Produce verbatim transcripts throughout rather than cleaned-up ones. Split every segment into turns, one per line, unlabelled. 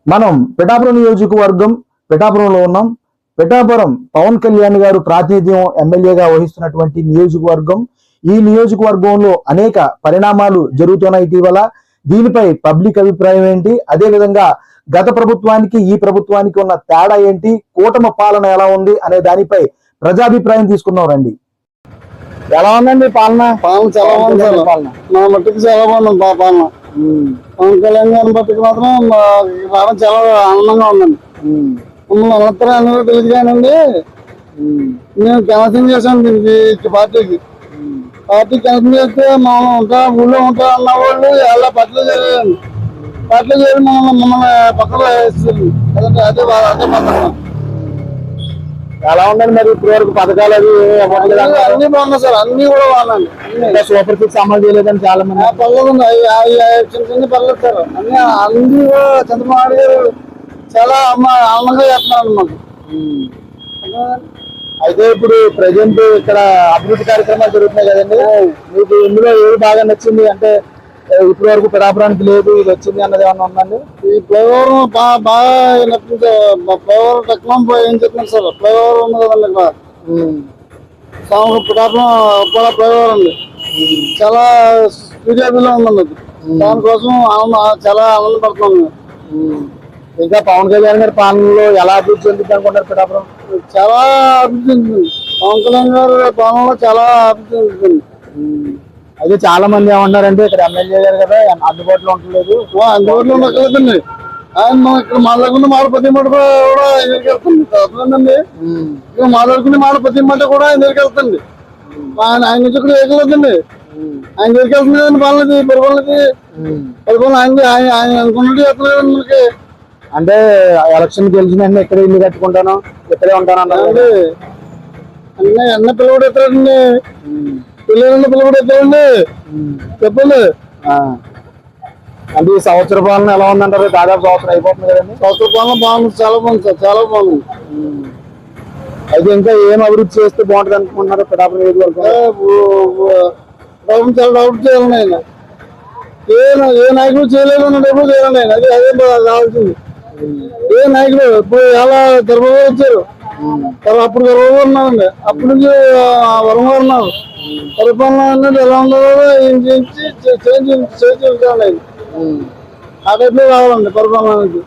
మనం పిఠాపురం నియోజకవర్గం పిఠాపురంలో ఉన్నాం. పిఠాపురం పవన్ కళ్యాణ్ గారు ప్రాతినిధ్యం ఎమ్మెల్యేగా వహిస్తున్నటువంటి నియోజకవర్గం. ఈ నియోజకవర్గంలో అనేక పరిణామాలు జరుగుతున్నాయి ఇటీవల. దీనిపై పబ్లిక్ అభిప్రాయం ఏంటి, అదే విధంగా గత ప్రభుత్వానికి ఈ ప్రభుత్వానికి ఉన్న తేడా ఏంటి, కూటమి పాలన ఎలా ఉంది అనే దానిపై ప్రజాభిప్రాయం తీసుకున్నాం రండి. ఎలా ఉందండి పాలన?
పాలన చాలా బాగుంది సార్. పాలన నా మట్టుకు చాలా బాగుంది పాలన. పవన్ కళ్యాణ్ గారిని బట్టుకు మాత్రం రావడం చాలా ఆనందంగా ఉందండి. మమ్మల్ని అనంతరం అనేది తెలియదు కానండి, మేము క్యాన్సల్ చేసాం దీనికి పార్టీకి. పార్టీ క్యాన్సల్ చేస్తే మనం ఉంటా ఊళ్ళో ఉంటా అన్న వాళ్ళు ఎలా పట్ల చేయలేదండి. పట్ల చేయాలి మమ్మల్ని మమ్మల్ని పక్కన వేస్తుంది కదండి. అదే అదే పథకం.
ఎలా ఉందండి మరి ఇప్పుడు వరకు పథకాలు అవి
అన్ని బాగున్నాయి సార్. అన్ని కూడా బాగున్నాయి.
సూపర్ సిక్స్ అమలు చేయలేదని చాలా మంది
పర్లేదు చిన్న చిన్న పర్లేదు సార్. అన్ని అన్ని కూడా చంద్రబాబు గారు చాలా ఆనందంగా చేస్తున్నారు మాకు.
అయితే ఇప్పుడు ప్రజెంట్ ఇక్కడ అభివృద్ధి కార్యక్రమాలు జరుగుతున్నాయి కదండి, మీకు ఇందులో ఏది బాగా నచ్చింది? అంటే ఇప్పటి వరకు పిఠాపురానికి లేదు, ఇది వచ్చింది అన్నది ఏమన్నా ఉందండి?
ఈ ఫ్లైఓవర్ బాగా బాగా నచ్చింది. ఫ్లైఓవర్ టెక్నాలజీ ఏం చెప్తున్నారు సార్? ఫ్లైఓవర్ ఉంది కదండి ఇక్కడ సాము పిఠాపురం కూడా ఫ్లైఓవర్ ఉంది. చాలా స్పీడియాబీలో ఉందండి అది. దానికోసం ఆనంద చాలా ఆనందపడుతున్నాం.
ఇంకా పవన్ కళ్యాణ్ గారి పాలనలో ఎలా అభివృద్ధి చెందుతుంది అనుకుంటారు పిఠాపురం?
చాలా అభివృద్ధి చెందుతుంది. పవన్ కళ్యాణ్ గారి పాలనలో చాలా అభివృద్ధి చెందుతుంది.
అయితే చాలా మంది ఏమన్నారంటే ఇక్కడ ఎమ్మెల్యే గారు కదా అందుబాటులో ఉండలేదు.
అందుబాటులో ఉండకలేదండి. ఆయన మనం ఇక్కడ మాట్లాడుకున్న మాట ప్రతి మాట కూడా ఎదురుకి వెళ్తుంది. అర్థమైందండి. ఇక్కడ మాట్లాడుకునే మాట ప్రతి మాట కూడా ఎదురుకి వెళ్తుంది. ఆయన ఆయన నుంచి ఇక్కడ ఎగలేదండి. ఆయన ఎదురుకి వెళ్తుంది కదండి. పాలనది పరిపాలనది పరిపాలన ఆయన ఆయన ఆయన అనుకున్నట్టు చేస్తలేదండి మనకి.
అంటే ఎలక్షన్ గెలిచిన ఎక్కడ ఇల్లు కట్టుకుంటాను, ఇక్కడే ఉంటాను అన్నారండి.
అన్న అన్న పిల్లవాడు ఎత్తాడండి, పిల్లలన్న పిల్లవాడు ఎత్తాడండి. చెప్పండి.
అంటే ఈ సంవత్సర పాలన ఎలా ఉందంటారు? దాదాపు సంవత్సరం అయిపోతుంది కదండి.
సంవత్సర పాలన బాగుంది, చాలా బాగుంది సార్, చాలా బాగుంది.
అయితే ఇంకా ఏం అభివృద్ధి చేస్తే బాగుంటుంది అనుకుంటున్నారు పిఠాపురం నియోజకవర్గం?
చాలా డెవలప్ చేయాలని ఆయన ఏ ఏ నాయకుడు చేయలేదు అన్న డెవలప్ చేయాలని ఆయన. అది అదే కావాల్సింది. ఏ నాయకుడు ఇప్పుడు ఎలా గర్భంగా వచ్చారు, అప్పుడు గర్భంగా ఉన్నారండి. అప్పటి నుంచి వరంగా ఉన్నారు. పరిపాలన అనేది ఎలా ఉందో చేయించి చేంజ్ చేయించాలండి ఆయన. ఆ టైప్లో రావాలండి పరిపాలన అనేది.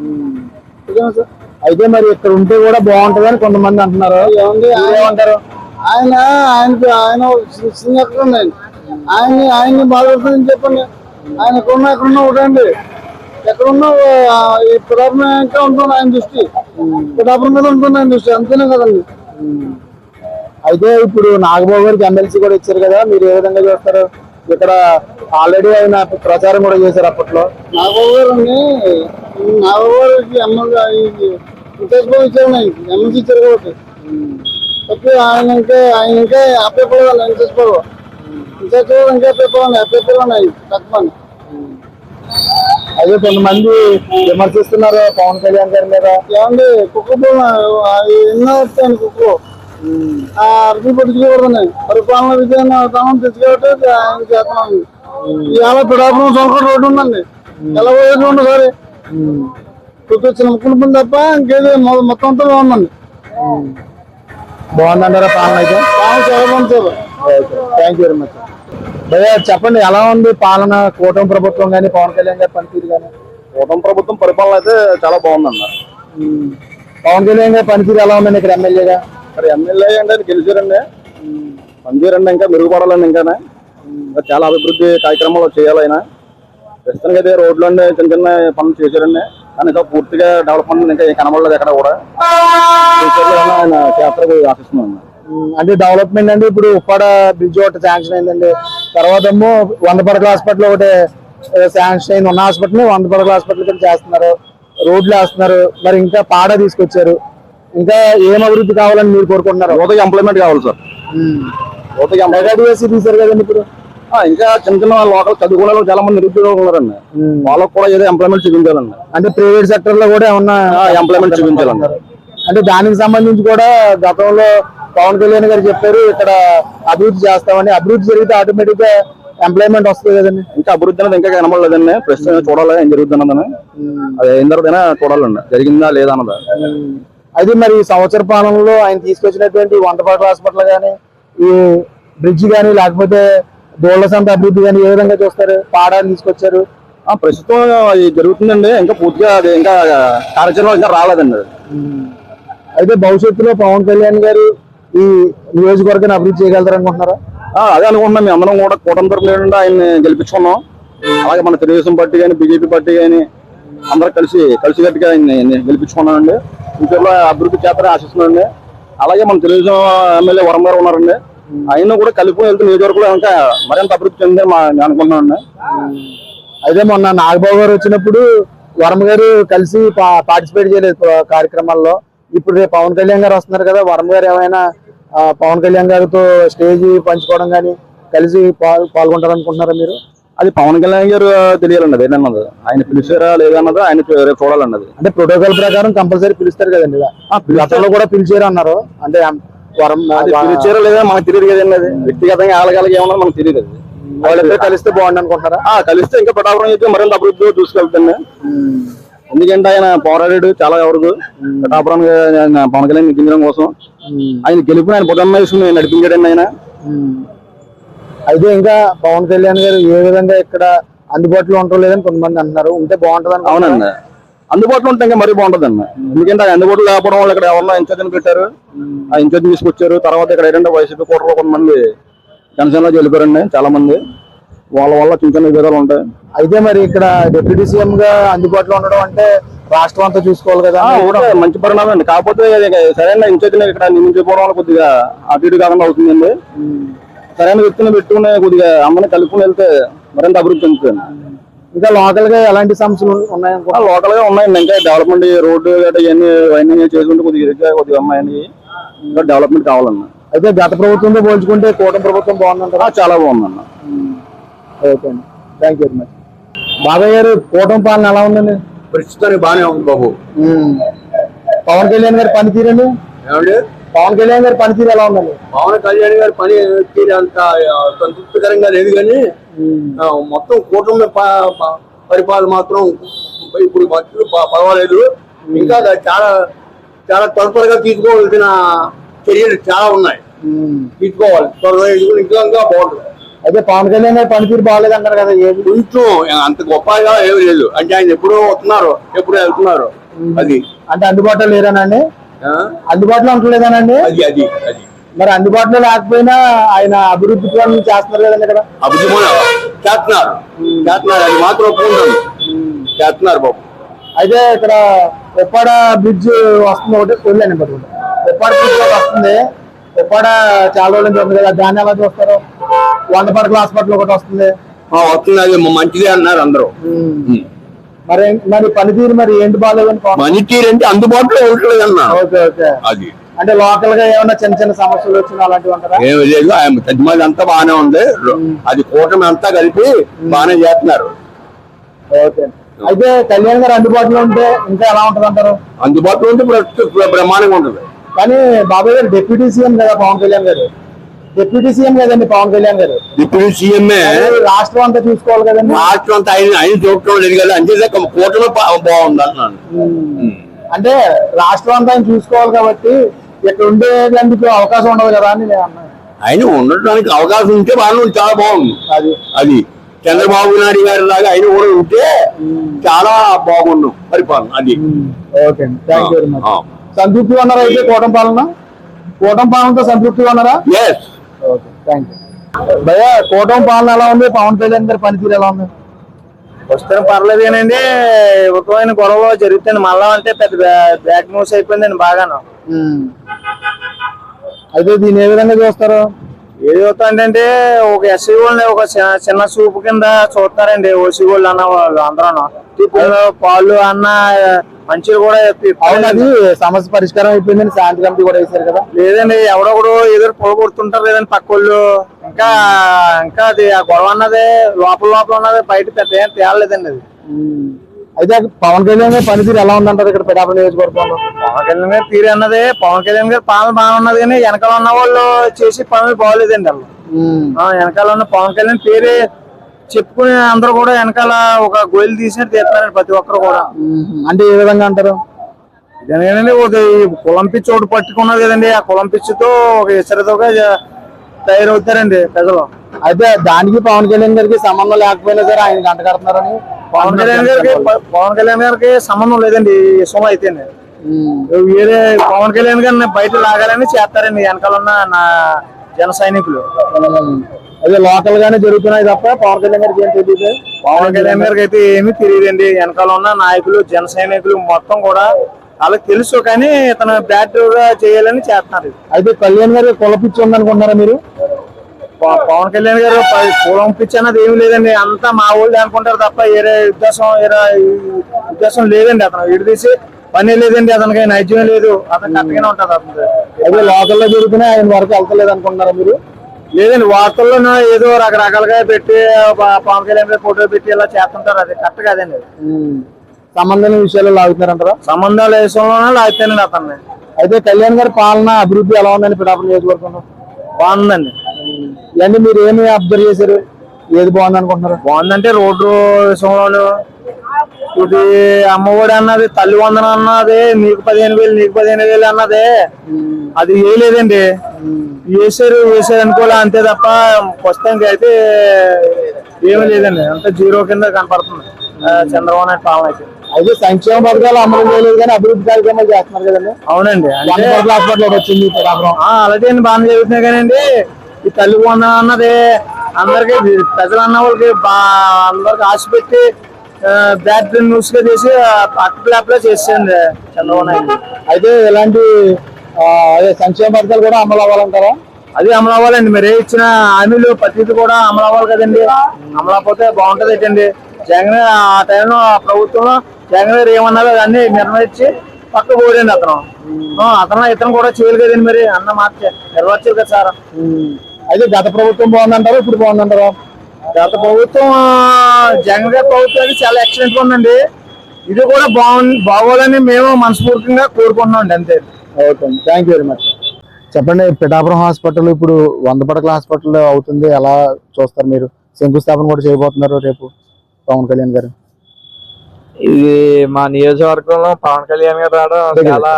అయితే మరి ఇక్కడ ఉంటే కూడా బాగుంటుంది అని కొంతమంది అంటున్నారు. ఏమంటారు?
ఆయన ఆయనకి ఆయన సింగర్ ఆయన ఆయన్ని ఆయన్ని బాధపడుతుందని చెప్పండి. ఆయన ఎక్కడున్నా ఎక్కడున్నా ఒకటండి. ఎక్కడున్నా ఈ పిఠాపురం ఇంకా ఉంటుంది ఆయన దృష్టి. పిఠాపురం మీద ఉంటుంది ఆయన దృష్టి. అంతేనే కదండి.
అయితే ఇప్పుడు నాగబాబు గారికి ఎమ్మెల్సీ కూడా ఇచ్చారు కదా, మీరు ఏ విధంగా చూస్తారు? ఇక్కడ ఆల్రెడీ ఆయన ప్రచారం కూడా చేశారు అప్పట్లో.
నాగబాబు గారు అండి, నాగబాబు గారికి ఎమ్మెల్యే ఇచ్చారు, ఎమ్మెల్సీ ఇచ్చారు కాబట్టి ఓకే. ఆయన ఇంకా ఆయన ఇంకా అప్పేపోవాలి ఇంకేసుకోవాలి ఇంకేసుకోవాలి ఇంకా అప్పేపోవాలి అప్పేపోవాలి ఆయన తక్కువ.
అదే కొంతమంది విమర్శిస్తున్నారు పవన్ కళ్యాణ్ గారి మీద.
ఏమండి కుక్క ఎన్నో వస్తాయండి కుక్కలు అర్థం పట్టించుకోకూడదండి. పరిపాలన విధానం తెచ్చుకోవట్టే ఆయన చేస్తున్నాను. ఇవాళ పిఠాపురం సొంత రోడ్డు ఉందండి, ఎలా పోయేది ఉండు సరే వచ్చిన ముక్కులు పని తప్ప ఇంకేది మొత్తం అంతా బాగుందండి.
బాగుందంటారా పాలన? అయితే
పాలన చాలా బాగుంది sir.
Thank you very much. భయ్యా చెప్పండి, ఎలా ఉంది పాలన? కూటమి ప్రభుత్వం కానీ పవన్ కళ్యాణ్ గారి పనితీరు కానీ?
కూటమి ప్రభుత్వం పరిపాలన అయితే చాలా బాగుందన్న.
పవన్ కళ్యాణ్ గారి పనితీరు ఎలా ఉందండి ఇక్కడ ఎమ్మెల్యేగా?
మరి ఎమ్మెల్యే అంటే గెలిచారండి, పనితీరండి ఇంకా మెరుగుపడాలండి. ఇంకా ఇంకా చాలా అభివృద్ధి కార్యక్రమాలు చేయాలి ఆయన. ప్రస్తుతానికి అయితే రోడ్లు అండి చిన్న చిన్న పనులు చేశారండి, కానీ ఇంకా పూర్తిగా డెవలప్మెంట్ ఇంకా కనబడలేదు ఎక్కడ కూడా. ఆయన చేస్తారు ఆశిస్తున్నాను.
అంటే డెవలప్మెంట్ అంటే ఇప్పుడు ఉప్పాడ బ్రిడ్జ్ ఒకటి శాంక్షన్ అయిందండి, తర్వాత ఏమో వంద పడకల హాస్పిటల్ ఒకటి శాంక్షన్ అయింది. ఉన్న హాస్పిటల్ వంద పడకల హాస్పిటల్ కింద చేస్తున్నారు, రోడ్లు వేస్తున్నారు. మరి ఇంకా పాడ తీసుకొచ్చారు. ఇంకా ఏం అభివృద్ధి కావాలని మీరు కోరుకుంటున్నారు?
యువతకి ఎంప్లాయ్మెంట్ కావాలి సార్. యువతకి
మెగాడిఎస్సీ తీశారు కదండి ఇప్పుడు.
ఇంకా చిన్న చిన్న లోకల్ చదువుకునే వాళ్ళు చాలా మంది నిరుద్యోగులు ఉన్నారండి, వాళ్ళకు కూడా ఏదో ఎంప్లాయ్మెంట్ చూపించాలండి.
అంటే ప్రైవేట్ సెక్టర్ లో కూడా ఏమన్నా
ఎంప్లాయ్మెంట్ చూపించాలండి.
అంటే దానికి సంబంధించి కూడా గతంలో పవన్ కళ్యాణ్ గారు చెప్పారు ఇక్కడ అభివృద్ధి చేస్తామని. అభివృద్ధి జరిగితే ఆటోమేటిక్ గా ఎంప్లాయ్మెంట్ వస్తుంది కదండి.
ఇంకా అభివృద్ధి అనేది ఇంకా కనబడలేదండి. ప్రస్తుతం చూడాలి ఏం జరుగుతుంది అన్నదని. అది అయిన తర్వాత చూడాలండి జరిగిందా లేదా అన్నదా.
అయితే మరి ఈ సంవత్సర పాలనలో ఆయన తీసుకొచ్చినటువంటి వంటపాట్ల హాస్పిటల్ కానీ, ఈ బ్రిడ్జ్ కానీ, లేకపోతే దోళ్ల సంత అభివృద్ధి కానీ ఏ విధంగా చూస్తారు? పాడాలు తీసుకొచ్చారు,
ప్రస్తుతం అది జరుగుతుందండి. ఇంకా పూర్తిగా అది ఇంకా కార్యాచరణ ఇంకా రాలేదండి అది.
అయితే భవిష్యత్తులో పవన్ కళ్యాణ్ గారు ఈ నియోజకవర్గాన్ని అభివృద్ధి చేయగలుగుతారు అనుకుంటున్నారా?
అదే అనుకుంటున్నాం. మేము అందరం కూడా కూటమి తరపున ఏంటంటే ఆయన్ని గెలిపించుకున్నాం. అలాగే మన తెలుగుదేశం పార్టీ కానీ, బీజేపీ పార్టీ కానీ అందరూ కలిసి కలిసి గట్టిగా ఆయన్ని గెలిపించుకున్నామండి. ఫ్యూచర్లో అభివృద్ధి చేస్తారని ఆశిస్తున్నాండి. అలాగే మన తెలుగుదేశం ఎమ్మెల్యే వరం గారు ఉన్నారండి. ఆయన కూడా కలిపి వెళ్తే నియోజకవర్గంలో ఇంకా మరింత అభివృద్ధి చెందని నేను అనుకుంటున్నానండి.
అయితే మొన్న నాగబాబు గారు వచ్చినప్పుడు వరం గారు కలిసి పార్టిసిపేట్ చేయలేదు కార్యక్రమాల్లో. ఇప్పుడు రేపు పవన్ కళ్యాణ్ గారు వస్తున్నారు కదా, వరం గారు ఏమైనా పవన్ కళ్యాణ్ గారితో స్టేజ్ పంచుకోవడం కానీ కలిసి పాల్గొంటారు అనుకుంటున్నారా మీరు?
అది పవన్ కళ్యాణ్ గారు తెలియాలండి. అది ఏంటన్నది ఆయన పిలిచారా లేదన్నది ఆయన రేపు చూడాలన్నది.
అంటే ప్రోటోకాల్ ప్రకారం కంపల్సరీ పిలుస్తారు కదండి. గతంలో కూడా పిలిచారు అన్నారు. అంటే వరం
పిలిచారా లేదా మనకు తెలియదు కదండి. అది వ్యక్తిగతంగా ఆలగాలకి ఏమన్నా మనకు తెలియదు. అది
వాళ్ళిద్దరు కలిస్తే బాగుంది అనుకుంటారా?
కలిస్తే ఇంకా పిఠాపురం అయితే మరింత అభివృద్ధి చూసుకెళ్తాను. ఎందుకంటే ఆయన పోరాడాడు చాలా వరకు పిఠాపురం పవన్ కళ్యాణ్ నెగ్గించడం కోసం. ఆయన గెలుపు ఆయన బుధన్మేషం నడిపించాడండి ఆయన.
అయితే ఇంకా పవన్ కళ్యాణ్ గారు ఏ విధంగా ఇక్కడ అందుబాటులో ఉండటం లేదని కొంతమంది అంటున్నారు. ఉంటే బాగుంటది.
అవునండి, అందుబాటులో ఉంటే ఇంకా మరీ బాగుంటది అన్న. ఎందుకంటే ఆయన అందుబాటులో లేకపోవడం వాళ్ళు ఇక్కడ ఎవరన్నా ఇన్ఛార్జ్ పెట్టారు, ఆ ఇన్ఛార్జ్ తీసుకొచ్చారు. తర్వాత ఇక్కడ ఏంటంటే వైసీపీ కోటలో కొంతమంది జనసేనలో వెళ్ళిపోయారండి చాలా మంది. వాళ్ళ వల్ల చిన్న చిన్న విభేదాలు ఉంటాయి.
అయితే మరి ఇక్కడ డిప్యూటీ సీఎం గా అందుబాటులో ఉండడం అంటే రాష్ట్రం అంతా చూసుకోవాలి కదా.
మంచి పరిణామం అండి. కాకపోతే సరైన ఇన్ఛార్జ్ ఇక్కడ నియమించుకోవడం వల్ల కొద్దిగా అటు ఇటు కాకుండా అవుతుందండి. సరైన వ్యక్తిని పెట్టుకుని కొద్దిగా అందరిని కలుపుకుని వెళ్తే మరింత అభివృద్ధి చెందుతుంది.
ఇంకా లోకల్ గా ఎలాంటి సమస్యలు ఉన్నాయనుకో?
లోకల్ గా ఉన్నాయండి. ఇంకా డెవలప్మెంట్ రోడ్డు గట్రా ఇవన్నీ అవన్నీ చేసుకుంటే కొద్దిగా కొద్దిగా అమ్మాయి ఇంకా డెవలప్మెంట్ కావాలన్న.
అయితే గత ప్రభుత్వంతో పోల్చుకుంటే కూటమి ప్రభుత్వం బాగుందంటారా?
చాలా బాగుందన్న.
ఓకే అండి, థ్యాంక్ యూ వెరీ మచ్. బాబాయ్ గారు, కూటమి పాలన ఎలా ఉందండి?
ప్రస్తుతానికి బాగానే ఉంది బాబు.
పవన్ కళ్యాణ్ గారి పనితీరండి
ఏమండి?
పవన్ కళ్యాణ్ గారి పనితీరు ఎలా ఉందండి?
పవన్ కళ్యాణ్ గారి పని తీరు అంత సంతృప్తికరంగా లేదు, కానీ మొత్తం కూటమి పరిపాలన మాత్రం ఇప్పుడు పర్వాలేదు. ఇంకా చాలా చాలా త్వరగా తీసుకోవాల్సిన చర్యలు చాలా ఉన్నాయి, తీసుకోవాలి త్వరగా. ఇంకా ఇంకా బాగుంటుంది.
అయితే పవన్ కళ్యాణ్ గారి పనితీరు బాగాలేదు అంటారు కదా, ఏది
కొంచెం అంత గొప్పగా ఏమి లేదు. అంటే ఆయన ఎప్పుడో వస్తున్నారు, ఎప్పుడో వెళ్తున్నారు. అది
అంటే అందుబాటులో లేరానండి? అందుబాటులో ఉండలేదానండి?
అది అది అది
మరి అందుబాటులో లేకపోయినా ఆయన అభివృద్ధి పనులు చేస్తున్నారు కదండి ఇక్కడ.
అభివృద్ధి చేస్తున్నారు చేస్తున్నారు అది మాత్రం ఒప్పుకుంటాను, చేస్తున్నారు బాబు.
అయితే ఇక్కడ ఉప్పాడ బ్రిడ్జ్ వస్తుంది, ఒకటి వెళ్ళండి పట్టుకుంటే ఉప్పాడ బ్రిడ్జ్ వస్తుంది. ఉప్పాడ చాలా రోజుల నుంచి ఉంది కదా, దాన్ని ఎలా చూస్తారు? వంద పడకల హాస్పిటల్ ఒకటి వస్తుంది
వస్తుంది అది మంచిదే అన్నారు అందరూ.
మరి మరి పనితీరు మరి ఏంటి బాగాలేదని?
పనితీరు అంటే అందుబాటులో ఉండలేదు అన్నా.
Okay okay.
అది
అంటే లోకల్ గా ఏమన్నా చిన్న చిన్న సమస్యలు వచ్చినా అలాంటివి అంటారా?
ఏమి లేదు, ఆయన తజ్మాది అంతా బాగానే ఉంది. అది కూటమి అంతా కలిపి బాగానే చేస్తున్నారు.
ఓకే. అయితే కళ్యాణ్ గారు అందుబాటులో ఉంటే ఇంకా ఎలా ఉంటది అంటారు?
అందుబాటులో ఉంటే బ్రహ్మాండంగా ఉంటుంది.
కానీ బాబాయ్ గారు డిప్యూటీ సీఎం కదా పవన్ కళ్యాణ్ గారు, డిప్యూటీ సీఎం కదండి పవన్ కళ్యాణ్ గారు.
డిప్యూటీ సీఎంఏ
రాష్ట్రం అంతా చూసుకోవాలి కదండి.
రాష్ట్రం అంతా ఆయన ఆయన చూడటం లేదు కదా, అంతే కూటమి బాగుంది అంటున్నాను.
అంటే రాష్ట్రం అంతా ఆయన చూసుకోవాలి కాబట్టి ఇక్కడ ఉండేందుకు అవకాశం ఉండదు కదా అని నేను అన్నాను.
ఆయన ఉండటానికి అవకాశం ఉంటే బాగా చాలా బాగుంది.
అది
అది చంద్రబాబు నాయుడు గారి లాగా ఆయన కూడా ఉంటే చాలా బాగున్నాం పరిపాలన. అది
okay, thank you very much. సంతృప్తిగా ఉన్నారా అయితే కూటమి పాలన? కూటమి పాలనతో సంతృప్తిగా ఉన్నారా?
ఎస్.
Okay, thank you. భయ్య, కూటమి పాలన ఎలా ఉంది? పవన్ కళ్యాణ్ గారి పనితీరు ఎలా ఉంది?
వస్తే పర్లేదేనండి. ఉత్తమైన గొడవ జరుగుతుంది మళ్ళా అంటే పెద్ద బ్యాక్ న్యూస్ అయిపోయిందండి బాగాను.
అయితే దీన్ని ఏ విధంగా చూస్తారు?
ఏది అవుతుందంటే ఒక ఎస్సీ వాళ్ళని ఒక చిన్న చూపు కింద చూస్తారండి ఓసీ వాళ్ళు అన్న వాళ్ళు అందరూ. పాలు అన్న మంచిలు కూడా
అవునది సమస్య పరిష్కారం అయిపోయిందని శాంతి కమిటీ కూడా వేశారు కదా.
లేదండి, ఎవడొకడు ఎదురు పొల కొడుతుంటారు లేదండి పక్క వాళ్ళు. ఇంకా ఇంకా అది ఆ గొడవ అన్నది లోపల లోపల ఉన్నది బయట పెద్ద ఏం తేలలేదండి అది.
అయితే పవన్ కళ్యాణ్ గారి పనితీరు ఎలా ఉందంటారు ఇక్కడ పిఠాపురం నియోజకవర్గంలో?
పవన్ కళ్యాణ్ గారి తీరు అన్నది పవన్ కళ్యాణ్ గారి పాలన బాగున్నది, కానీ వెనకాల ఉన్న వాళ్ళు చేసి పనులు బాగోలేదండి వాళ్ళు.
ఆ, వెనకాల ఉన్న పవన్ కళ్యాణ్ పేరే చెప్పుకునే అందరూ కూడా వెనకాల ఒక గోయిలు తీసినట్టు తీస్తున్నారండి ప్రతి ఒక్కరు కూడా.
అంటే ఏ విధంగా అంటారు?
ఇదేనండి ఒక ఈ కులం పిచ్చి ఒకటి పట్టుకున్నది కదండి, ఆ కులం పిచ్చితో ఒక ఇసరితోగా తయారవుతారండి ప్రజలు.
అయితే దానికి పవన్ కళ్యాణ్ గారికి సంబంధం లేకపోయినా సరే ఆయన గంట కడుతున్నారని
పవన్ కళ్యాణ్ గారికి పవన్ కళ్యాణ్ గారికి సంబంధం లేదండి ఈ విషయం అయితే. వేరే పవన్ కళ్యాణ్ గారిని బయట లాగాలని చేస్తారండి వెనకాల ఉన్న నా జన సైనికులు.
అదే లోకల్ గానే జరుగుతున్నాయి తప్ప పవన్ కళ్యాణ్ గారికి ఏం తెలియదు.
పవన్ కళ్యాణ్ గారికి అయితే ఏమీ తెలియదండి. వెనకాల ఉన్న నాయకులు జన సైనికులు మొత్తం కూడా వాళ్ళకి తెలుసు, కానీ ఇతను బ్యాట్ గా చేయాలని చేస్తున్నారు.
అయితే కళ్యాణ్ గారికి కులపిచ్చి ఉందనుకుంటున్నారా మీరు?
ప- పవన్ కళ్యాణ్ గారు ప- కులం పిచ్చి అన్నది ఏమి లేదండి, అంతా మా వాళ్ళు అనుకుంటారు తప్ప వేరే ఉద్దేశం వేరే ఉద్దేశం లేదండి. అతను విడిదీసి పని లేదండి, అతనికి నైజ్యం లేదు, అతను కరెక్ట్గానే ఉంటుంది అతను.
అయితే లోకల్లో జరుగుతున్నాయి ఆయన వరకు వెళ్తలేదు అనుకుంటున్నారా మీరు?
లేదండి, వార్తల్లో ఏదో రకరకాలుగా పెట్టి ప- పవన్ కళ్యాణ్ గారి ఫోటో పెట్టి ఇలా చేస్తుంటారు, అది కరెక్ట్ కాదండి.
సంబంధం విషయాలు లాగుతున్నారంటారా?
సంబంధాల విషయంలోనే లాగుతానండి అతన్ని.
అయితే కళ్యాణ్ గారి పాలన అభివృద్ధి ఎలా ఉందని పిఠాపురం నియోజకవర్గంలో
బాగుందండి.
ఇవన్నీ మీరు ఏమి అబ్జర్వ్ చేశారు? ఏది బాగుంది అనుకుంటున్నారు?
బాగుందంటే రోడ్డు విషయంలో ఇది అమ్మఒడి అన్నది, తల్లి వందనం అన్నది, నీకు పదిహేను వేలు నీకు పదిహేను వేలు అన్నది అది ఏ లేదండి. వేసారు వేసారు అనుకోలే అంతే తప్ప ప్రస్తుతానికి అయితే ఏమీ లేదండి, అంత జీరో కింద కనపడుతుంది ఆ, చంద్రబాబు నాయుడు పాలన అయితే.
అయితే సంక్షేమ పథకాలు అమలు చేయలేదు కానీ అభివృద్ధి కార్యక్రమాలు చేస్తున్నారు కదండి.
అవునండి, అంటే
హాస్పిటల్ వచ్చింది పిఠాపురం.
ఆ, అలాగే అండి, బాగానే జరుగుతున్నాయి కానండి. ఈ తల్లి వందనం అన్నది అందరికి ప్రజలు అన్న వాళ్ళకి బా అందరికి ఆశ పెట్టి బ్యాడ్ న్యూస్ గా చేసి అట్లా చేసేయండి చంద్రబాబు నాయుడు.
అయితే ఇలాంటి ఆ, అదే సంక్షేమ పథకాలు కూడా అమలు అవ్వాలంటారా?
అది అమలు అవ్వాలండి, మరి ఇచ్చిన హామీలు ప్రతిదీ కూడా అమలు అవ్వాలి కదండి. అమలు అవ్వకపోతే బాగుంటది ఏంటండి. జగన్ ఆ టైంలో ఆ ప్రభుత్వంలో జగన్ గారు ఏమన్నారో అన్ని నిర్ణయించి పక్క పోడండి అతను. ఆ, అతను ఇతను కూడా చేయాలి కదండి, మరి అన్న మాట నెరవేర్చారు కదా సార్.
అయితే గత ప్రభుత్వం బాగుందంటారా ఇప్పుడు బాగుందంటారా?
గత ప్రభుత్వం జగన్ గారి ప్రభుత్వం చాలా ఎక్సలెంట్ గా ఉందండి. ఇది కూడా బాగు బాగోదని మేము మనస్ఫూర్తిగా కోరుకుంటున్నాం అండి, అంతే.
ఓకే అండి, థ్యాంక్ యూ వెరీ మచ్. చెప్పండి, పిఠాపురం హాస్పిటల్ ఇప్పుడు వంద పడకల హాస్పిటల్ అవుతుంది, ఎలా చూస్తారు మీరు? శంకుస్థాపన కూడా చేయబోతున్నారు రేపు పవన్ కళ్యాణ్ గారు.
ఇది మా నియోజకవర్గంలో పవన్ కళ్యాణ్ గారు రావడం చాలా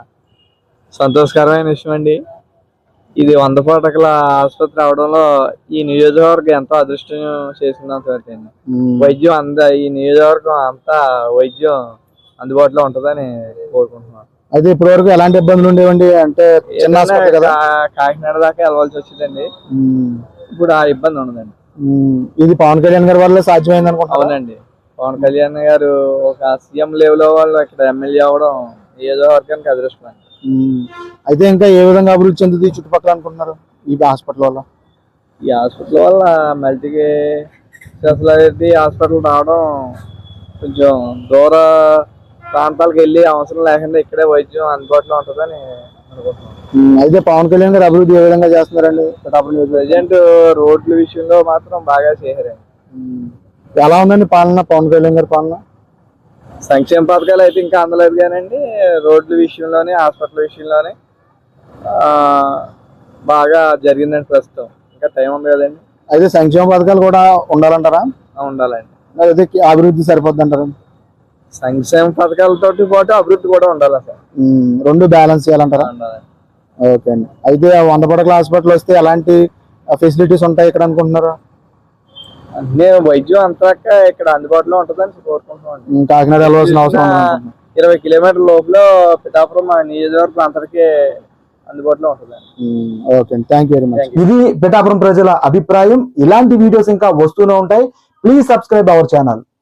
సంతోషకరమైన విషయం అండి. ఇది వంద పడకల ఆసుపత్రి అవడంలో ఈ నియోజకవర్గం ఎంతో అదృష్టం చేసిందంత వరకు అండి. వైద్యం అంద ఈ నియోజకవర్గం అంతా వైద్యం అందుబాటులో ఉంటుందని కోరుకుంటున్నాను.
అయితే ఇప్పటి వరకు ఎలాంటి ఇబ్బందులు ఉండేవండి? అంటే చిన్న హాస్పిటల్ కదా,
కా- కాకినాడ దాకా వెళ్ళవలసి వచ్చిందండి. ఇప్పుడు ఆ ఇబ్బంది ఉండదండి.
ఇది పవన్ కళ్యాణ్ గారి వల్ల సాధ్యమైంది అనుకుంటున్నాను.
అవునండి, పవన్ కళ్యాణ్ గారు ఒక సీఎం లెవెల్ వాళ్ళు ఇక్కడ ఎమ్మెల్యే అవడం నియోజకవర్గానికి అదృష్టం అండి.
అయితే ఇంకా ఏ విధంగా అభివృద్ధి చెందుతుంది ఈ చుట్టుపక్కల అనుకుంటున్నారు ఈ హాస్పిటల్ వల్ల?
ఈ హాస్పిటల్ వల్ల మల్టీ స్పెషాలిటీ హాస్పిటల్ రావడం కొంచెం దూర ప్రాంతాలకు వెళ్ళి అవసరం లేకుండా ఇక్కడే వైద్యం అందుబాటులో ఉంటుందని అనుకుంటున్నాం.
అయితే పవన్ కళ్యాణ్ గారు అభివృద్ధి ఏ విధంగా చేస్తున్నారండి పిఠాపురం నియోజకవర్గం?
ప్రజెంట్ రోడ్ల విషయంలో మాత్రం బాగా చేశారండి.
ఎలా ఉందండి పాలన, పవన్ కళ్యాణ్ గారి పాలన?
సంక్షేమ పథకాలు అయితే ఇంకా అందలేదు కానండి, రోడ్ల విషయంలోనే హాస్పిటల్ విషయంలోనే ఆ, బాగా జరిగిందండి. ప్రస్తుతం ఇంకా టైం ఉంది కదండి.
అయితే సంక్షేమ పథకాలు కూడా ఉండాలంటారా?
ఆ, ఉండాలండి.
అయితే అభివృద్ధి సరిపోద్ది అంటారా?
సంక్షేమ పథకాలతో పాటు అభివృద్ధి కూడా ఉండాలి సార్,
రెండు బ్యాలెన్స్ చేయాలంటారా?
ఉండాలండి.
ఓకే అండి. అయితే వంద పడకల హాస్పిటల్ వస్తే ఎలాంటి ఫెసిలిటీస్ ఉంటాయి ఇక్కడ అనుకుంటున్నారు?
అన్నీ వైద్యం అంతా ఇక్కడ అందుబాటులో ఉంటుందని కోరుకుంటున్నాం.
కాకినాడ వెళ్ళవలసిన అవసరం ఉండదు.
ఇరవై కిలోమీటర్ల లోపల పిఠాపురం మా నియోజకవర్గం అంతటికీ అందుబాటులో ఉంటుంది.
ఓకే అండి, థ్యాంక్ యూ వెరీ మచ్. ఇది పిఠాపురం ప్రజల అభిప్రాయం. ఇలాంటి వీడియోస్ ఇంకా వస్తూనే ఉంటాయి. Please subscribe our channel.